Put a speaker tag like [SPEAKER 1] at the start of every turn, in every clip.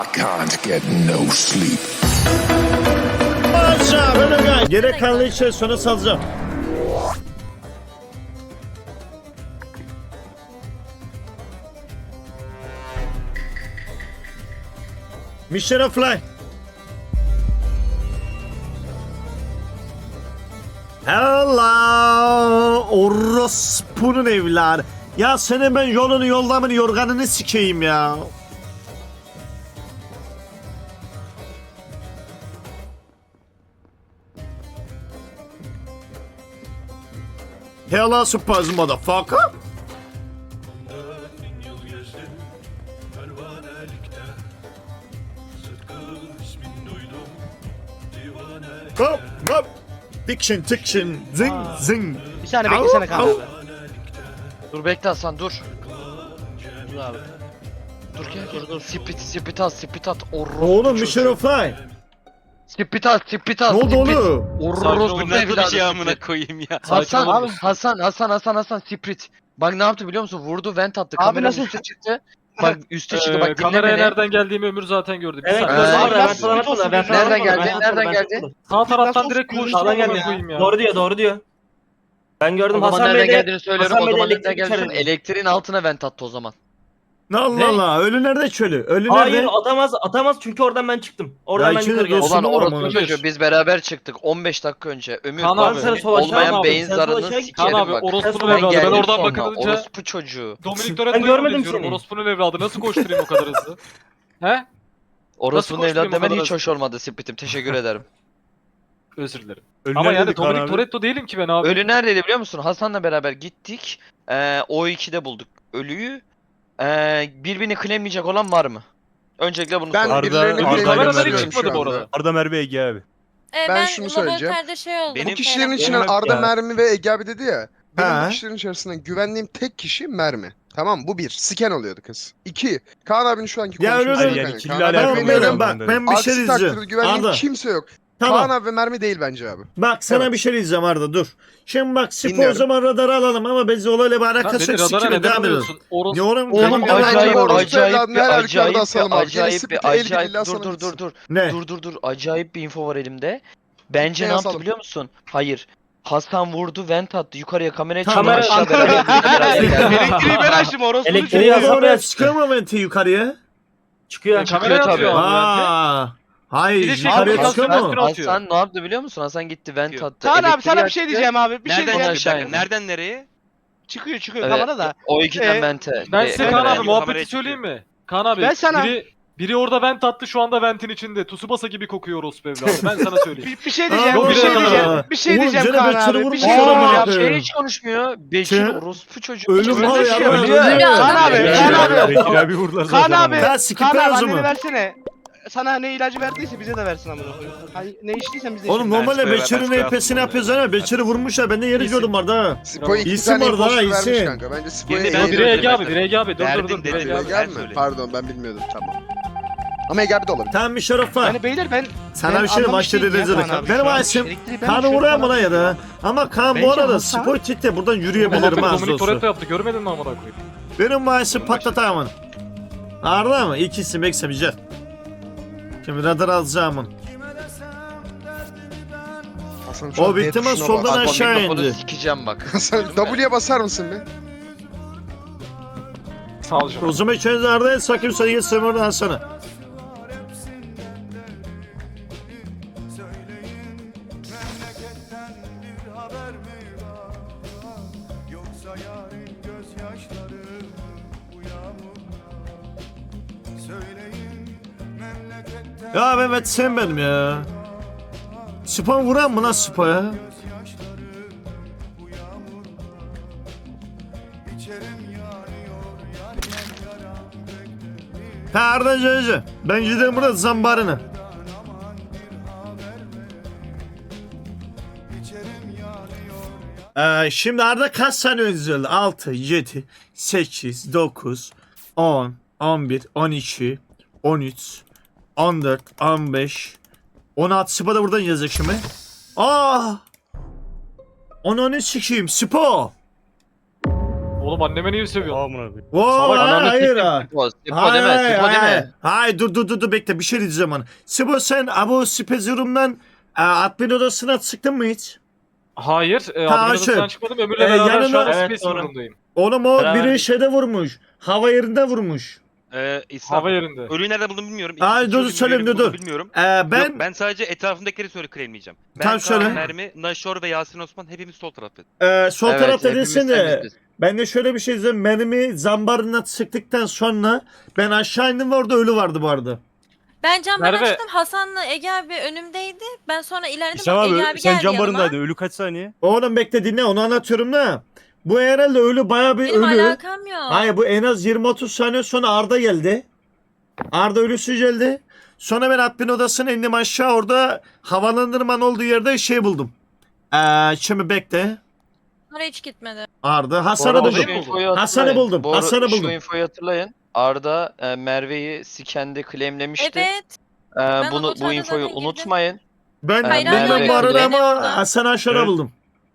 [SPEAKER 1] Can't get no sleep.
[SPEAKER 2] Aşağı böyle gel. Gerek kanlı içeri sonra salacağım. Mission of Fly. Hello orospunun evladı. Ya senin ben yolunu yoldamını yorganını sikeyim ya. Hello surprise motherfucker. Hop hop. Diction diction zing zing.
[SPEAKER 3] Bir saniye beklesene kanka abi.
[SPEAKER 4] Dur bekle Hasan dur.
[SPEAKER 3] Dur abi.
[SPEAKER 4] Dur gel. Dur. Spit at.
[SPEAKER 2] Oğlum Mission of Fly.
[SPEAKER 4] Spit at.
[SPEAKER 2] Ne oldu oğlum?
[SPEAKER 4] Orospu
[SPEAKER 5] Bu nasıl bir şey amına
[SPEAKER 4] Sprit.
[SPEAKER 5] koyayım ya.
[SPEAKER 4] Hasan Sprit. Bak ne yaptı biliyor musun? Vurdu vent attı.
[SPEAKER 3] Abi
[SPEAKER 4] Kamera
[SPEAKER 3] nasıl-
[SPEAKER 4] üstü çıktı. Bak üstü çıktı bak dinle
[SPEAKER 6] Kameraya
[SPEAKER 4] beni.
[SPEAKER 6] nereden geldiğimi Ömür zaten gördü. Bir
[SPEAKER 7] Evet,
[SPEAKER 6] saniye.
[SPEAKER 7] gördüm.
[SPEAKER 3] Abi,
[SPEAKER 7] Ben
[SPEAKER 3] nasıl
[SPEAKER 7] sana
[SPEAKER 3] bir
[SPEAKER 7] atmadım,
[SPEAKER 3] olsun
[SPEAKER 7] ben
[SPEAKER 3] ya?
[SPEAKER 7] sana
[SPEAKER 4] Nereden
[SPEAKER 7] atmadım,
[SPEAKER 4] geldi?
[SPEAKER 7] ben sana
[SPEAKER 4] Nereden
[SPEAKER 7] atmadım,
[SPEAKER 4] geldi?
[SPEAKER 7] ben sana
[SPEAKER 6] Sağ taraftan
[SPEAKER 3] Nasıl
[SPEAKER 6] direkt
[SPEAKER 3] olsun?
[SPEAKER 6] koştu.
[SPEAKER 7] Sağdan
[SPEAKER 6] Amına
[SPEAKER 7] geldi.
[SPEAKER 6] koyayım ya.
[SPEAKER 7] Doğru diyor. Ben gördüm
[SPEAKER 4] O zaman
[SPEAKER 7] Hasan
[SPEAKER 4] nereden
[SPEAKER 7] Bey de
[SPEAKER 4] geldiğini söylüyorum.
[SPEAKER 7] Hasan
[SPEAKER 4] O
[SPEAKER 7] Bey de
[SPEAKER 4] zaman nereden
[SPEAKER 7] elektrik
[SPEAKER 4] geldiğini
[SPEAKER 7] içeride.
[SPEAKER 4] elektriğin altına vent attı o zaman.
[SPEAKER 2] Allah
[SPEAKER 6] Ne?
[SPEAKER 2] Allah. Ölü nerede çölü? Ölü
[SPEAKER 7] Hayır
[SPEAKER 2] nerede?
[SPEAKER 7] atamaz çünkü oradan ben çıktım. Oradan
[SPEAKER 2] Ya
[SPEAKER 7] ben
[SPEAKER 2] içinde
[SPEAKER 7] yukarı geldim.
[SPEAKER 2] dostum
[SPEAKER 4] Ulan
[SPEAKER 2] var
[SPEAKER 4] orospu
[SPEAKER 2] ama.
[SPEAKER 4] çocuğu biz beraber çıktık 15 dakika önce. Ömür
[SPEAKER 6] Kaan
[SPEAKER 4] bak,
[SPEAKER 6] abi,
[SPEAKER 7] sen sol aşağı
[SPEAKER 4] olmayan
[SPEAKER 7] abi,
[SPEAKER 4] beyin
[SPEAKER 7] sen sol
[SPEAKER 4] zarını
[SPEAKER 7] aşağı git.
[SPEAKER 6] Kaan
[SPEAKER 4] sikerim
[SPEAKER 6] abi
[SPEAKER 4] bak.
[SPEAKER 6] orospunun
[SPEAKER 7] Ben
[SPEAKER 6] evladı. Ben
[SPEAKER 4] geldim
[SPEAKER 6] oradan
[SPEAKER 4] sonra,
[SPEAKER 6] bakılınca
[SPEAKER 4] orospu çocuğu.
[SPEAKER 6] Dominik
[SPEAKER 7] Ben
[SPEAKER 6] Toretto'yu
[SPEAKER 7] görmedim
[SPEAKER 6] benziyorum.
[SPEAKER 7] seni.
[SPEAKER 6] Orospunun evladı. Nasıl koşturayım o kadar hızlı? He?
[SPEAKER 4] Orospu'nun
[SPEAKER 6] koşturayım
[SPEAKER 4] evladı
[SPEAKER 6] o kadar
[SPEAKER 4] demen hiç
[SPEAKER 6] hızlı?
[SPEAKER 4] hoş olmadı Spit'im. Teşekkür ederim.
[SPEAKER 6] Özür dilerim.
[SPEAKER 2] Ölü
[SPEAKER 6] Ama yani
[SPEAKER 2] neredeydi Kaan
[SPEAKER 6] Dominik
[SPEAKER 2] abi?
[SPEAKER 6] Toretto değilim ki ben abi.
[SPEAKER 4] Ölü neredeydi biliyor musun? Hasan'la beraber gittik. O2'de bulduk ölüyü. Birbirini claimleyecek olan var mı? Öncelikle bunu
[SPEAKER 8] Ben
[SPEAKER 4] sorayım.
[SPEAKER 8] birilerini
[SPEAKER 6] Ömür
[SPEAKER 8] claimlemek
[SPEAKER 6] kameradan hiç
[SPEAKER 8] istiyorum
[SPEAKER 6] çıkmadı
[SPEAKER 8] şu
[SPEAKER 6] bu
[SPEAKER 8] anda.
[SPEAKER 6] arada.
[SPEAKER 9] Arda Merve Ege abi.
[SPEAKER 8] Ben şunu söyleyeceğim.
[SPEAKER 10] Laboratuvarda şey oldu.
[SPEAKER 5] Benim-
[SPEAKER 8] Bu kişilerin içine
[SPEAKER 9] Benim-
[SPEAKER 8] Arda
[SPEAKER 9] Ya.
[SPEAKER 8] Mermi ve Ege abi dedi ya. Benim
[SPEAKER 2] Ha.
[SPEAKER 8] bu kişilerin içerisinden güvendiğim tek kişi Mermi. Tamam bu bir. Sken oluyordu kız. İki. Kaan abinin şu anki
[SPEAKER 2] Ya öyle
[SPEAKER 8] konuşması.
[SPEAKER 2] değil.
[SPEAKER 9] Yani
[SPEAKER 8] Kaan
[SPEAKER 9] kirli
[SPEAKER 8] abi
[SPEAKER 9] alakalı
[SPEAKER 8] benim
[SPEAKER 2] Ben
[SPEAKER 9] Bilmiyorum
[SPEAKER 8] benim-
[SPEAKER 2] bak ben bir şey
[SPEAKER 8] Aksi takdirde
[SPEAKER 2] diyeceğim.
[SPEAKER 8] güvendiğim
[SPEAKER 2] Arda.
[SPEAKER 8] kimse yok.
[SPEAKER 2] Tamam.
[SPEAKER 8] Kaan abi ve Mermi değil bence abi.
[SPEAKER 2] Bak sana
[SPEAKER 8] Evet.
[SPEAKER 2] bir şey diyeceğim Arda dur. Şimdi bak spor
[SPEAKER 8] Dinliyorum.
[SPEAKER 2] zaman radarı alalım ama biz olayla bir
[SPEAKER 6] Lan
[SPEAKER 2] alakası
[SPEAKER 6] beni
[SPEAKER 2] yok.
[SPEAKER 6] radara
[SPEAKER 2] Sikime
[SPEAKER 6] neden
[SPEAKER 2] devam edelim.
[SPEAKER 6] alıyorsun? Oros...
[SPEAKER 2] Ne oğlum?
[SPEAKER 4] Oğlum
[SPEAKER 2] Tamam,
[SPEAKER 8] acayip-
[SPEAKER 4] acayip
[SPEAKER 8] orospu
[SPEAKER 4] acayip
[SPEAKER 8] evladını her halükarda
[SPEAKER 4] acayip
[SPEAKER 8] asalım abi. Gelin
[SPEAKER 4] acayip
[SPEAKER 8] spiti el
[SPEAKER 4] acayip
[SPEAKER 8] birliğiyle asalım
[SPEAKER 4] dur
[SPEAKER 8] gitsin.
[SPEAKER 2] Ne?
[SPEAKER 4] dur acayip bir info var elimde. Bence
[SPEAKER 8] Ne
[SPEAKER 4] ne yaptı
[SPEAKER 8] yazalım?
[SPEAKER 4] biliyor musun? Hayır. Hasan vurdu vent attı yukarıya kameraya
[SPEAKER 2] Tamam.
[SPEAKER 4] çıktı aşağı beraber geldi.
[SPEAKER 3] Elektriği ben açtım orospu.
[SPEAKER 7] Elektriği
[SPEAKER 2] Oğlum
[SPEAKER 7] Hasan Bey
[SPEAKER 2] oraya
[SPEAKER 7] açtı.
[SPEAKER 2] çıkıyor mu venti yukarıya?
[SPEAKER 7] Çıkıyor.
[SPEAKER 6] Kameraya
[SPEAKER 4] tabii.
[SPEAKER 6] atıyor abi venti.
[SPEAKER 2] Aa.
[SPEAKER 6] Bir
[SPEAKER 2] Hayır
[SPEAKER 6] de şey,
[SPEAKER 2] yukarıya
[SPEAKER 6] Hasan
[SPEAKER 2] çıkıyor
[SPEAKER 6] ben-
[SPEAKER 2] mu?
[SPEAKER 6] atıyor.
[SPEAKER 4] Hasan ne yaptı biliyor musun? Hasan gitti vent
[SPEAKER 5] Çıkıyor.
[SPEAKER 4] attı.
[SPEAKER 3] Kaan abi
[SPEAKER 4] elektriği
[SPEAKER 3] sana bir şey
[SPEAKER 4] açtı.
[SPEAKER 3] diyeceğim abi. Bir şey
[SPEAKER 5] Nereden
[SPEAKER 3] diyeceğim.
[SPEAKER 4] aşağı
[SPEAKER 5] çıktı?
[SPEAKER 4] indi.
[SPEAKER 5] Nereden nereye?
[SPEAKER 3] Çıkıyor
[SPEAKER 4] Evet,
[SPEAKER 3] kamera da.
[SPEAKER 4] O 2'den
[SPEAKER 3] Ee,
[SPEAKER 4] vente.
[SPEAKER 6] Ben size Kaan
[SPEAKER 5] kameraya-
[SPEAKER 6] abi muhabbeti
[SPEAKER 5] kameraya
[SPEAKER 6] söyleyeyim mi? Kaan abi
[SPEAKER 3] Ben sana-
[SPEAKER 6] biri orada vent attı şu anda ventin içinde. Tsubasa gibi kokuyor orospu evladı. Ben sana söyleyeyim.
[SPEAKER 3] Bir şey diyeceğim.
[SPEAKER 2] Aa,
[SPEAKER 3] Bir şey
[SPEAKER 2] doğru.
[SPEAKER 3] diyeceğim. Bir şey
[SPEAKER 2] Oğlum,
[SPEAKER 3] diyeceğim
[SPEAKER 2] Cenab-ı
[SPEAKER 3] Kaan
[SPEAKER 2] Hak
[SPEAKER 3] abi. Bir
[SPEAKER 2] seni
[SPEAKER 3] şey
[SPEAKER 2] vurmuş
[SPEAKER 4] Oğlum
[SPEAKER 2] Aa,
[SPEAKER 4] ya
[SPEAKER 3] diyeceğim.
[SPEAKER 2] evet.
[SPEAKER 4] hiç konuşmuyor. Bekir
[SPEAKER 2] Şey-
[SPEAKER 4] orospu çocuğu.
[SPEAKER 2] Ölüm var ya.
[SPEAKER 3] Ölüyor.
[SPEAKER 2] Ölüyor.
[SPEAKER 3] Kaan abi, Kaan abi.
[SPEAKER 9] Bekir abi vurdular
[SPEAKER 3] Kaan
[SPEAKER 9] zaten
[SPEAKER 3] abi.
[SPEAKER 9] ama.
[SPEAKER 2] Ya sikip
[SPEAKER 3] Kaan abi
[SPEAKER 2] ver o zaman.
[SPEAKER 3] anneni versene. Sana ne ilacı verdiyse bize de versin amına koyayım. Hani ne içtiysen biz de
[SPEAKER 2] Oğlum
[SPEAKER 3] içelim.
[SPEAKER 2] normalde
[SPEAKER 5] Ben
[SPEAKER 2] Bekir'in
[SPEAKER 5] çıkıyor,
[SPEAKER 2] EP'sini
[SPEAKER 5] ben
[SPEAKER 2] yapıyoruz ama Bekir'i vurmuşlar. Ben de yeri
[SPEAKER 6] İyisin.
[SPEAKER 2] gördüm Arda.
[SPEAKER 8] Spo iki
[SPEAKER 2] İyisin
[SPEAKER 8] tane
[SPEAKER 2] var daha,
[SPEAKER 8] imposter vermiş
[SPEAKER 2] iyisin.
[SPEAKER 8] kanka. Bence Spo'ya
[SPEAKER 5] Şimdi
[SPEAKER 6] Yo,
[SPEAKER 5] ben
[SPEAKER 8] iyi.
[SPEAKER 6] biri Ege
[SPEAKER 5] söyledim
[SPEAKER 6] abi, biri Ege abi. Dur
[SPEAKER 5] Verdim
[SPEAKER 6] dur dur.
[SPEAKER 5] dedim.
[SPEAKER 6] Ege abi.
[SPEAKER 8] Ege abi mi?
[SPEAKER 5] söyledim.
[SPEAKER 8] Pardon ben bilmiyordum tamam. Ama Ege abi de olabilir.
[SPEAKER 2] Tamam bir şeref var.
[SPEAKER 3] Yani beyler ben
[SPEAKER 2] Sana bir şey başta dediniz. Benim isim Kaan'ı vuraya mı lan ya da? Ama Kaan bu
[SPEAKER 3] Bence
[SPEAKER 2] arada
[SPEAKER 3] Hasan-
[SPEAKER 2] spor kitle buradan yürüyebilirim
[SPEAKER 6] Muhabbeti
[SPEAKER 2] az
[SPEAKER 6] Dominik
[SPEAKER 2] olsun.
[SPEAKER 6] Toretto yaptı. Görmedin mi amına koyayım?
[SPEAKER 2] Benim isim patlatamın. Arda mı? İki isim eksemeyeceğim. Şimdi radar alacağımın.
[SPEAKER 8] Hasan şu an
[SPEAKER 2] O
[SPEAKER 8] D
[SPEAKER 2] bitti mi?
[SPEAKER 8] tuşuna
[SPEAKER 2] Soldan
[SPEAKER 8] bas.
[SPEAKER 4] Bak, o
[SPEAKER 2] aşağı
[SPEAKER 4] mikrofonu
[SPEAKER 2] indi.
[SPEAKER 4] sikeceğim bak.
[SPEAKER 8] Hasan W'ye basar mısın bir?
[SPEAKER 6] Sağ ol canım.
[SPEAKER 2] O zaman içeride Arda'ya sakayım sana geçsem oradan sana. Ya Mehmet sen benim ya. Spa vuran mı lan Spa ya? Ha Arda Cacı. Ben gidelim burada zambarına. Şimdi Arda kaç saniye önce 6, 7, 8, 9, 10, 11, 12, 13, 14, 15, 16 Spa da buradan yazacak şimdi. Aa! Onu ne sikeyim Spa?
[SPEAKER 6] Oğlum anneme niye seviyorsun?
[SPEAKER 5] Amına koyayım.
[SPEAKER 2] Oo,
[SPEAKER 6] Salak,
[SPEAKER 4] Ananı
[SPEAKER 2] hayır
[SPEAKER 4] sikeyim.
[SPEAKER 2] ha.
[SPEAKER 4] Sipo değil mi? Sipo değil mi?
[SPEAKER 2] Hayır dur bekle bir şey diyeceğim ona. Sipo sen Abu Spezurum'dan admin odasına çıktın mı hiç?
[SPEAKER 6] Hayır.
[SPEAKER 2] Ha,
[SPEAKER 6] Admin
[SPEAKER 2] şey,
[SPEAKER 6] odasından çıkmadım. Ömür'le beraber şu
[SPEAKER 2] yanına-
[SPEAKER 6] an
[SPEAKER 7] Evet,
[SPEAKER 6] Space
[SPEAKER 7] doğru.
[SPEAKER 6] Marroon'dayım.
[SPEAKER 2] Oğlum o
[SPEAKER 7] Beraber-
[SPEAKER 2] biri şeyde vurmuş. Hava yerinde vurmuş.
[SPEAKER 9] İslam.
[SPEAKER 6] Hava yerinde.
[SPEAKER 9] Ölüyü nerede buldum bilmiyorum.
[SPEAKER 2] Ay,
[SPEAKER 9] İki
[SPEAKER 2] dur,
[SPEAKER 9] ölü
[SPEAKER 2] söyleyeyim,
[SPEAKER 9] birini
[SPEAKER 2] dur.
[SPEAKER 9] bulduğumu bilmiyorum.
[SPEAKER 2] Ben
[SPEAKER 9] Yok, ben sadece etrafımdakileri claimleyeceğim.
[SPEAKER 2] Tamam,
[SPEAKER 9] Ben,
[SPEAKER 2] söyle.
[SPEAKER 9] Kaan, Mermi, Naşor ve Yasin Osman hepimiz sol taraftayız.
[SPEAKER 2] sol
[SPEAKER 4] Evet,
[SPEAKER 2] tarafta
[SPEAKER 4] hepimiz
[SPEAKER 2] değilsin de.
[SPEAKER 4] temiziz.
[SPEAKER 2] Ben de şöyle bir şey diyeceğim. Mermi zambarına sıktıktan sonra ben aşağı indim ve orada ölü vardı bu arada.
[SPEAKER 10] Ben camdan
[SPEAKER 6] Merve.
[SPEAKER 10] açtım. Hasan'la Ege abi önümdeydi. Ben sonra ilerledim.
[SPEAKER 5] İslam
[SPEAKER 10] Ege
[SPEAKER 5] abi
[SPEAKER 10] abi
[SPEAKER 5] sen
[SPEAKER 10] geldi
[SPEAKER 5] cam
[SPEAKER 10] yanıma.
[SPEAKER 5] barındaydın. Ölü kaç saniye?
[SPEAKER 2] Oğlum bekle dinle onu anlatıyorum da. Bu herhalde ölü bayağı bir
[SPEAKER 10] Benim
[SPEAKER 2] ölü.
[SPEAKER 10] alakam yok.
[SPEAKER 2] Hayır bu en az 20-30 saniye sonra Arda geldi. Arda ölüsü geldi. Sonra ben admin odasına indim aşağı orada havalandırmanın olduğu yerde şey buldum. Şimdi bekle.
[SPEAKER 10] Oraya hiç gitmedi.
[SPEAKER 2] Arda. Hasan'ı
[SPEAKER 6] Orada
[SPEAKER 2] buldum.
[SPEAKER 6] değil mi?
[SPEAKER 4] infoyu
[SPEAKER 2] Hasan'ı
[SPEAKER 4] hatırlayın.
[SPEAKER 2] buldum,
[SPEAKER 4] Bu
[SPEAKER 2] Hasan'ı buldum.
[SPEAKER 4] Şu infoyu hatırlayın. Arda Merve'yi Siken'de claimlemişti.
[SPEAKER 10] Evet.
[SPEAKER 4] Bu
[SPEAKER 10] laboratuvarda
[SPEAKER 4] infoyu
[SPEAKER 10] zaten girdim.
[SPEAKER 4] unutmayın.
[SPEAKER 2] Ben
[SPEAKER 10] Hayır,
[SPEAKER 2] bilmem
[SPEAKER 4] hayır,
[SPEAKER 2] bu arada
[SPEAKER 10] hayır.
[SPEAKER 2] ama Hasan'ı aşağıda
[SPEAKER 5] Evet.
[SPEAKER 2] buldum.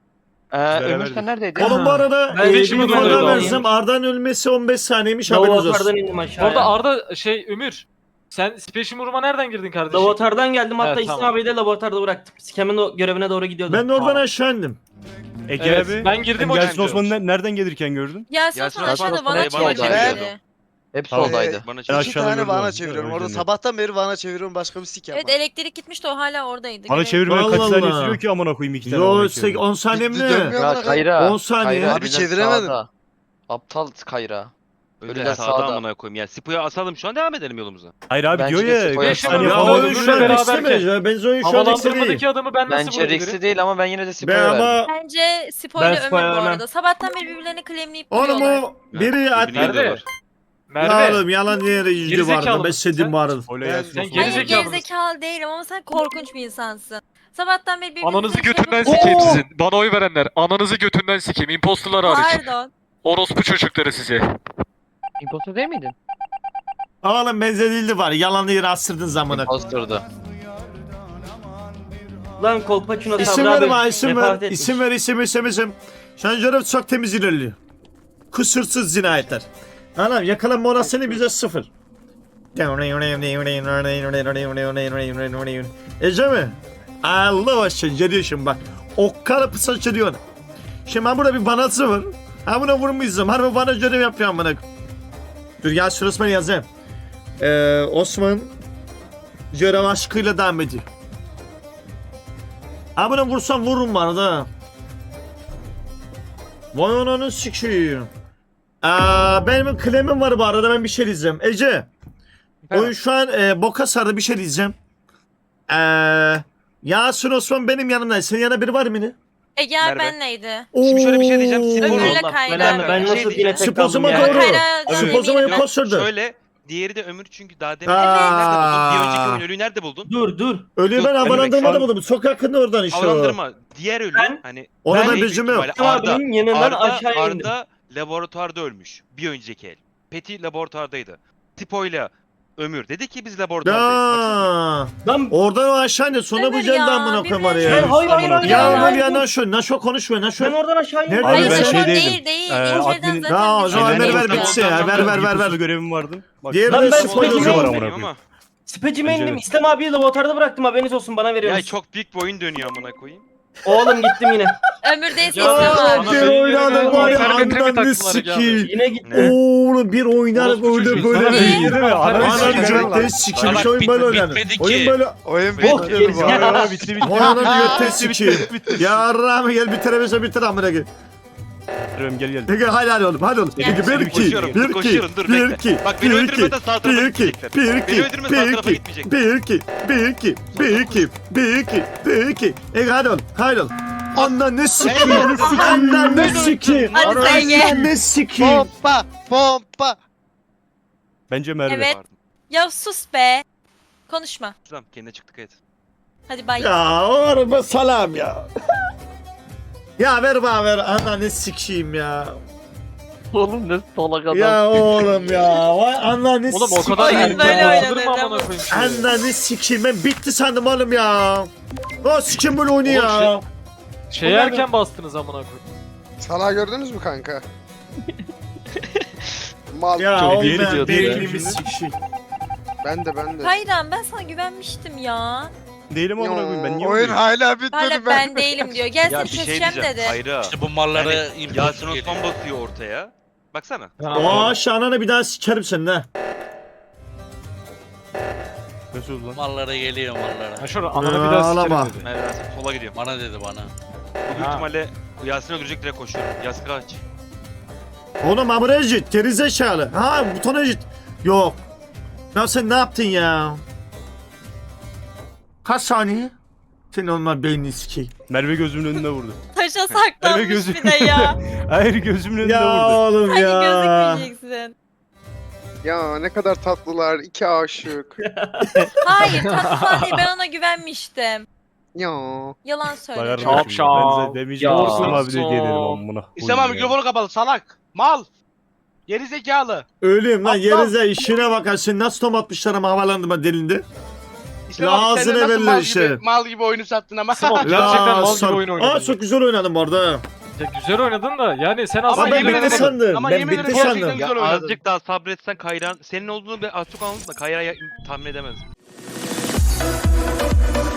[SPEAKER 4] Ömür
[SPEAKER 5] Beraberdik.
[SPEAKER 4] sen neredeydin?
[SPEAKER 2] Oğlum bu arada
[SPEAKER 7] Ben
[SPEAKER 2] bir
[SPEAKER 6] şimdi
[SPEAKER 2] info
[SPEAKER 6] böyle
[SPEAKER 2] daha
[SPEAKER 6] oldu.
[SPEAKER 2] versem Arda'nın ölmesi 15 saniyeymiş haberiniz olsun.
[SPEAKER 7] Laboratuvardan indim aşağıya.
[SPEAKER 6] Orada Arda Ömür. Sen Space Marroon'a nereden girdin kardeşim?
[SPEAKER 7] Laboratuvardan geldim hatta
[SPEAKER 6] Evet,
[SPEAKER 7] İslam
[SPEAKER 6] tamam.
[SPEAKER 7] abiyi de laboratuvarda bıraktım. Sikemin o görevine doğru gidiyordum.
[SPEAKER 2] Ben de oradan
[SPEAKER 6] Tamam.
[SPEAKER 2] aşağı indim.
[SPEAKER 5] Ege
[SPEAKER 6] Evet,
[SPEAKER 5] abi.
[SPEAKER 6] ben girdim, o
[SPEAKER 5] Yasin
[SPEAKER 6] çıktı.
[SPEAKER 5] Osman'ı nereden gelirken gördün?
[SPEAKER 10] Yasin
[SPEAKER 9] Yasin
[SPEAKER 10] Osman
[SPEAKER 9] Osman
[SPEAKER 10] aşağıda bana
[SPEAKER 4] hep
[SPEAKER 10] çevirdi.
[SPEAKER 4] soldaydı. Hep
[SPEAKER 5] Tamam.
[SPEAKER 4] soldaydı.
[SPEAKER 9] Bana
[SPEAKER 5] Ben
[SPEAKER 9] çevir.
[SPEAKER 5] aşağıda
[SPEAKER 11] tane
[SPEAKER 5] gördüm
[SPEAKER 11] vana
[SPEAKER 5] aslında,
[SPEAKER 11] çeviriyorum.
[SPEAKER 5] o
[SPEAKER 11] Orada
[SPEAKER 5] yüzden.
[SPEAKER 11] sabahtan beri vana çeviriyorum. Başka bir sik
[SPEAKER 10] Evet
[SPEAKER 11] yapma.
[SPEAKER 10] elektrik gitmişti o hala oradaydı.
[SPEAKER 5] Bana
[SPEAKER 10] Görev-
[SPEAKER 5] çevirmeye kaç
[SPEAKER 2] Allah
[SPEAKER 5] saniye
[SPEAKER 2] Allah.
[SPEAKER 5] sürüyor ki amına koyayım 2 tane.
[SPEAKER 2] Yo
[SPEAKER 5] vana çeviriyor.
[SPEAKER 2] 10 saniye mi
[SPEAKER 11] Ciddi
[SPEAKER 2] ne?
[SPEAKER 11] dönmüyor.
[SPEAKER 4] Ya
[SPEAKER 11] Amına
[SPEAKER 4] Kayra.
[SPEAKER 2] 10 saniye.
[SPEAKER 4] Kayra,
[SPEAKER 11] Abi
[SPEAKER 4] Ölüler
[SPEAKER 11] çeviremedim.
[SPEAKER 4] sağda. Aptal Kayra. Ölüler
[SPEAKER 9] Ölüler sağda
[SPEAKER 4] sağda.
[SPEAKER 9] amına koyayım ya. Sipo'yu asalım şu an devam edelim yolumuza.
[SPEAKER 5] Hayır abi
[SPEAKER 4] Bence
[SPEAKER 5] diyor
[SPEAKER 4] de
[SPEAKER 5] ya.
[SPEAKER 4] Sipo'ya
[SPEAKER 5] kaç
[SPEAKER 6] şimdi
[SPEAKER 5] saniye
[SPEAKER 2] Ya
[SPEAKER 6] Ama
[SPEAKER 5] falan
[SPEAKER 2] oyun
[SPEAKER 6] Ömür'le
[SPEAKER 2] şu an
[SPEAKER 6] beraberken-
[SPEAKER 2] istemeyiz ya. Ben oyun şu an istemeyiz.
[SPEAKER 6] Havalandırmadaki adamı ben nasıl
[SPEAKER 4] Bence
[SPEAKER 6] vurabilirim?
[SPEAKER 4] Rex'i değil ama ben yine de
[SPEAKER 2] Ben
[SPEAKER 4] Sipo'ya verdim.
[SPEAKER 2] ama
[SPEAKER 10] Bence Spo
[SPEAKER 7] Ben
[SPEAKER 10] ile Ömür bu
[SPEAKER 7] Spo'ya vermem.
[SPEAKER 10] arada. Sabahtan beri birbirlerini claimleyip
[SPEAKER 2] oğlum
[SPEAKER 10] duruyorlar.
[SPEAKER 2] o biri
[SPEAKER 9] Birbirini
[SPEAKER 2] admin.
[SPEAKER 6] Merve.
[SPEAKER 9] yiyorlar.
[SPEAKER 2] Ya
[SPEAKER 6] Merve.
[SPEAKER 2] oğlum yalan yere yüzlü
[SPEAKER 6] Gerizekalı
[SPEAKER 2] vardı. Ben
[SPEAKER 6] mısın
[SPEAKER 2] sevdim
[SPEAKER 6] sen?
[SPEAKER 2] bu arada.
[SPEAKER 5] Öyle
[SPEAKER 11] Ben-
[SPEAKER 5] Yasin
[SPEAKER 6] Sen
[SPEAKER 5] Osman.
[SPEAKER 10] Hayır
[SPEAKER 6] Gerizekalı mısın?
[SPEAKER 10] gerizekalı değilim ama sen korkunç bir insansın. Sabahtan beri birbirinize
[SPEAKER 6] Ananızı
[SPEAKER 10] şey
[SPEAKER 6] götünden
[SPEAKER 10] yapıp-
[SPEAKER 6] sikeyim sizin. Bana oy verenler. Ananızı götünden sikeyim. Imposterlar hariç.
[SPEAKER 10] Pardon.
[SPEAKER 6] Orospu çocukları size.
[SPEAKER 4] Imposter değil miydin?
[SPEAKER 2] Oğlum benzer değildi var. Yalanlı yere astırdın zamanı.
[SPEAKER 4] Imposter'dı.
[SPEAKER 7] Lan Kolpaçino
[SPEAKER 2] İsim
[SPEAKER 7] Sabri
[SPEAKER 2] ver
[SPEAKER 7] abi
[SPEAKER 2] bana isim ver.
[SPEAKER 7] vefat etmiş.
[SPEAKER 2] İsim ver isim. Şanjörüm çok temiz ilerliyor. Kusursuz cinayetler. Anam yakalanma olasılığı bize 0. Ece mi? Allah aşkına geliyorsun bak. Okkara pısa geliyor. Şimdi ben burada bir banası var. Ha buna vurmayacağım. Harbi bana görev yapıyor bana. Dur Yasin Osman yazayım. Osman görev aşkıyla devam ediyor. Ha buna vursam vururum bana da. Vay ananı sikeyim. Benim klemim var bu arada ben bir şey diyeceğim. Ece. Oyun şu an boka sardı bir şey diyeceğim. Yasin Osman benim yanımda. Senin yanında biri var mı yine?
[SPEAKER 10] Ege abi
[SPEAKER 9] Merve.
[SPEAKER 10] benleydi.
[SPEAKER 9] Şimdi şöyle bir şey diyeceğim. Spor
[SPEAKER 10] Ömür'le
[SPEAKER 7] Allah
[SPEAKER 10] Kayra.
[SPEAKER 7] belanı, ben
[SPEAKER 9] Bir
[SPEAKER 7] nasıl
[SPEAKER 9] şey
[SPEAKER 7] yine
[SPEAKER 9] diyeceğim.
[SPEAKER 7] tek
[SPEAKER 2] Spozuma
[SPEAKER 7] kaldım ya.
[SPEAKER 2] doğru.
[SPEAKER 10] Kayra
[SPEAKER 2] Spozuma
[SPEAKER 10] eminim.
[SPEAKER 2] imposter'dı.
[SPEAKER 9] Şöyle diğeri de Ömür çünkü daha demin
[SPEAKER 10] Evet.
[SPEAKER 9] nerede buldun? Bir önceki oyun ölüyü nerede buldun?
[SPEAKER 7] Dur.
[SPEAKER 2] Ölüyü
[SPEAKER 9] Yok,
[SPEAKER 2] ben
[SPEAKER 9] ben
[SPEAKER 2] havalandırmada
[SPEAKER 5] şu an-
[SPEAKER 2] buldum. Çok yakında oradan işte o.
[SPEAKER 9] Havalandırma. Diğer ölü
[SPEAKER 7] Ben-
[SPEAKER 9] hani
[SPEAKER 2] Ona
[SPEAKER 7] Ben-
[SPEAKER 2] ben bilgim yok.
[SPEAKER 9] ihtimalle Arda,
[SPEAKER 7] Abinin yanından aşağı indim.
[SPEAKER 9] Arda laboratuvarda ölmüş. Bir önceki el. Peti laboratuvardaydı. Tipo'yla Ömür dedi ki biz laboratuvardayız. Haksız mıyım?
[SPEAKER 2] Ya.
[SPEAKER 7] Lan
[SPEAKER 2] Oradan o aşağı indi. Sonra bu
[SPEAKER 10] Ömür
[SPEAKER 2] cennet
[SPEAKER 10] ya,
[SPEAKER 2] amına koyayım var
[SPEAKER 10] birbirine-
[SPEAKER 2] ya.
[SPEAKER 7] Ben hayır.
[SPEAKER 2] Ya Ömür ya Naşo konuşma
[SPEAKER 7] Ben
[SPEAKER 2] Naşo.
[SPEAKER 7] oradan aşağı indim.
[SPEAKER 2] Nereden
[SPEAKER 10] Hayır
[SPEAKER 5] ben
[SPEAKER 10] Spo
[SPEAKER 5] şey değilim.
[SPEAKER 10] değil.
[SPEAKER 5] Admin-
[SPEAKER 10] İnceden zaten
[SPEAKER 2] Ya o zaman
[SPEAKER 10] birbirine
[SPEAKER 2] ver
[SPEAKER 10] gidiyor.
[SPEAKER 2] bitsin ya. Ver.
[SPEAKER 5] Bir görevim vardı. Bak.
[SPEAKER 2] Diğeri
[SPEAKER 7] Lan
[SPEAKER 2] de
[SPEAKER 7] ben
[SPEAKER 2] spoiler
[SPEAKER 7] Spectre
[SPEAKER 2] var
[SPEAKER 5] var
[SPEAKER 2] ama.
[SPEAKER 5] amına
[SPEAKER 9] Ama
[SPEAKER 7] Specime
[SPEAKER 5] Bence
[SPEAKER 7] indim.
[SPEAKER 5] de.
[SPEAKER 7] İslam abiyi laboratuvarda bıraktım haberiniz olsun bana
[SPEAKER 9] ya
[SPEAKER 7] veriyorsunuz.
[SPEAKER 9] çok büyük bir oyun dönüyor amına koyayım.
[SPEAKER 7] Oğlum gittim yine.
[SPEAKER 10] Ömür değilse
[SPEAKER 6] Ya,
[SPEAKER 10] İslam
[SPEAKER 6] bana
[SPEAKER 10] abi.
[SPEAKER 2] Bir
[SPEAKER 6] benim
[SPEAKER 2] oynadım
[SPEAKER 6] yerime
[SPEAKER 2] var ya
[SPEAKER 6] termometre mi
[SPEAKER 2] andan ne
[SPEAKER 6] taktılar ya?
[SPEAKER 2] sikiyim.
[SPEAKER 7] Yine gittim.
[SPEAKER 9] Ne?
[SPEAKER 2] Oğlum bir oynar
[SPEAKER 6] Orospu
[SPEAKER 2] böyle
[SPEAKER 6] çocuğu,
[SPEAKER 2] böyle
[SPEAKER 6] sana
[SPEAKER 2] değil.
[SPEAKER 6] değil mi?
[SPEAKER 2] Anam
[SPEAKER 6] Salak.
[SPEAKER 2] gökten sikiyim.
[SPEAKER 9] Salak,
[SPEAKER 2] Oyun böyle oynanır.
[SPEAKER 9] bitmedi ki.
[SPEAKER 2] Oyun böyle.
[SPEAKER 11] Oyun
[SPEAKER 9] Oh,
[SPEAKER 11] bitti.
[SPEAKER 7] gerizekalı.
[SPEAKER 5] Bitti.
[SPEAKER 2] Vay anam gökten sikiyim. Ya Rahmi gel bitir amına gel.
[SPEAKER 5] Gel.
[SPEAKER 2] Peki hadi oğlum. Peki bir iki.
[SPEAKER 9] Koşuyorum, dur, koşuyorum, dur,
[SPEAKER 2] Bir
[SPEAKER 9] bekle.
[SPEAKER 2] iki.
[SPEAKER 9] Bak, beni
[SPEAKER 2] Bir
[SPEAKER 9] öldürmeden
[SPEAKER 2] iki.
[SPEAKER 9] sağ tarafa
[SPEAKER 2] Bir iki.
[SPEAKER 9] gidecekler.
[SPEAKER 2] Bir
[SPEAKER 9] Beni
[SPEAKER 2] iki.
[SPEAKER 9] öldürmeden sağ
[SPEAKER 2] Bir
[SPEAKER 9] tarafa
[SPEAKER 2] iki.
[SPEAKER 9] gitmeyecekler.
[SPEAKER 2] Bir iki. Hadi ol. Andan ne sikiyim. Andan ne sikiyim.
[SPEAKER 10] Hadi sen ye.
[SPEAKER 2] Andan ne sikiyim.
[SPEAKER 11] Pompa.
[SPEAKER 5] Bence Merve.
[SPEAKER 10] Evet. Ya sus be. Konuşma.
[SPEAKER 9] Tamam kendine çıktık et.
[SPEAKER 10] Hadi bay.
[SPEAKER 2] Ya oğlum salam ya. Ya ver bana ver. Andan ne sikiyim ya.
[SPEAKER 4] Oğlum ne salak adam.
[SPEAKER 2] Ya oğlum ya. Vay andan ne
[SPEAKER 6] Oğlum o kadar
[SPEAKER 10] Oyun
[SPEAKER 6] erken
[SPEAKER 10] böyle
[SPEAKER 6] bastırma
[SPEAKER 10] oynanır
[SPEAKER 6] amına
[SPEAKER 10] ama.
[SPEAKER 6] koyayım.
[SPEAKER 2] Andan ne sikiyim. Ben bitti sandım oğlum ya. O sikim böyle oyunu
[SPEAKER 6] Oğlum
[SPEAKER 2] ya.
[SPEAKER 6] Şey erken bastınız amına koyayım.
[SPEAKER 8] Salağı gördünüz mü kanka? Mal.
[SPEAKER 2] Ya
[SPEAKER 5] Çok
[SPEAKER 2] oğlum
[SPEAKER 5] diğeri
[SPEAKER 2] ben
[SPEAKER 5] diyordu ya.
[SPEAKER 2] beynimi sikşi.
[SPEAKER 8] Ben de.
[SPEAKER 10] Hayran ben sana güvenmiştim ya.
[SPEAKER 5] Değilim amına koyayım ben niye
[SPEAKER 8] Oyun
[SPEAKER 5] oynuyorum?
[SPEAKER 8] hala bitmedi
[SPEAKER 10] Hala ben değilim diyor. Gel
[SPEAKER 9] Ya
[SPEAKER 10] seni
[SPEAKER 9] bir şey
[SPEAKER 10] keseceğim
[SPEAKER 9] diyeceğim.
[SPEAKER 10] dedi.
[SPEAKER 9] Hayra.
[SPEAKER 12] İşte bu malları
[SPEAKER 9] Yani Yasin Osman bakıyor ortaya. Baksana.
[SPEAKER 2] Aa şanana bir daha sikerim seni ha.
[SPEAKER 5] Nasıl lan?
[SPEAKER 12] mallara geliyor mallara.
[SPEAKER 6] Ha şöyle ananı bir daha
[SPEAKER 2] Ağlama.
[SPEAKER 6] sikerim dedi.
[SPEAKER 9] Ben Yasin sola gidiyorum.
[SPEAKER 12] Bana dedi bana.
[SPEAKER 9] Bu büyük ihtimalle Yasin'i öldürecek direkt koşuyorum. Yasin kaç.
[SPEAKER 2] Oğlum amına ejit gerizekalı. Ha butona ejit. Yok. Ya sen ne yaptın ya? Kaç saniye? Senin olma beynini sikeyim.
[SPEAKER 5] Merve gözümün önünde vurdu.
[SPEAKER 10] Taşa
[SPEAKER 5] Merve
[SPEAKER 10] saklanmış
[SPEAKER 5] gözüm.
[SPEAKER 10] bir de ya.
[SPEAKER 5] Hayır gözümün önünde
[SPEAKER 2] Ya
[SPEAKER 5] vurdu.
[SPEAKER 2] oğlum
[SPEAKER 10] Hani
[SPEAKER 2] ya.
[SPEAKER 10] gözükmeyeceksin.
[SPEAKER 8] Ya ne kadar tatlılar. İki aşık.
[SPEAKER 10] Hayır tatlı falan değil ben ona güvenmiştim.
[SPEAKER 8] Ya.
[SPEAKER 10] Yalan
[SPEAKER 5] Bak
[SPEAKER 10] söyledim.
[SPEAKER 5] arkadaşım,
[SPEAKER 6] Şap şap.
[SPEAKER 5] Ben size demiştim.
[SPEAKER 7] Ya.
[SPEAKER 5] Osman abi de gelirim amına.
[SPEAKER 3] İslam abi mikrofonu kapalı salak. Mal. Geri zekalı.
[SPEAKER 2] Ölüyorum lan
[SPEAKER 3] Aptal.
[SPEAKER 2] yerize işine bakarsın. Nasıl tom atmışlar ama havalandırma delindi.
[SPEAKER 3] İslam abi sen de
[SPEAKER 2] Ağzına
[SPEAKER 3] nasıl
[SPEAKER 2] verirler
[SPEAKER 3] mal
[SPEAKER 2] işte.
[SPEAKER 3] gibi, mal gibi oyunu sattın ama.
[SPEAKER 6] Simon gerçekten mal gibi
[SPEAKER 2] son-
[SPEAKER 6] oyun oynadın.
[SPEAKER 2] Aa çok güzel oynadın bu arada.
[SPEAKER 6] Ya güzel oynadın da yani sen
[SPEAKER 3] Ama
[SPEAKER 6] aslında
[SPEAKER 2] Ama ben
[SPEAKER 3] yemin
[SPEAKER 2] bitti
[SPEAKER 3] ederim-
[SPEAKER 2] sandım.
[SPEAKER 3] ama
[SPEAKER 2] Ben
[SPEAKER 3] yemin
[SPEAKER 2] bitti
[SPEAKER 3] ederim gerçekten
[SPEAKER 2] sandım.
[SPEAKER 3] güzel
[SPEAKER 9] Ya
[SPEAKER 3] oynadın.
[SPEAKER 9] azıcık daha sabretsen Kayran senin olduğunu bir az çok anladın da Kayra'yı tahmin edemezdim.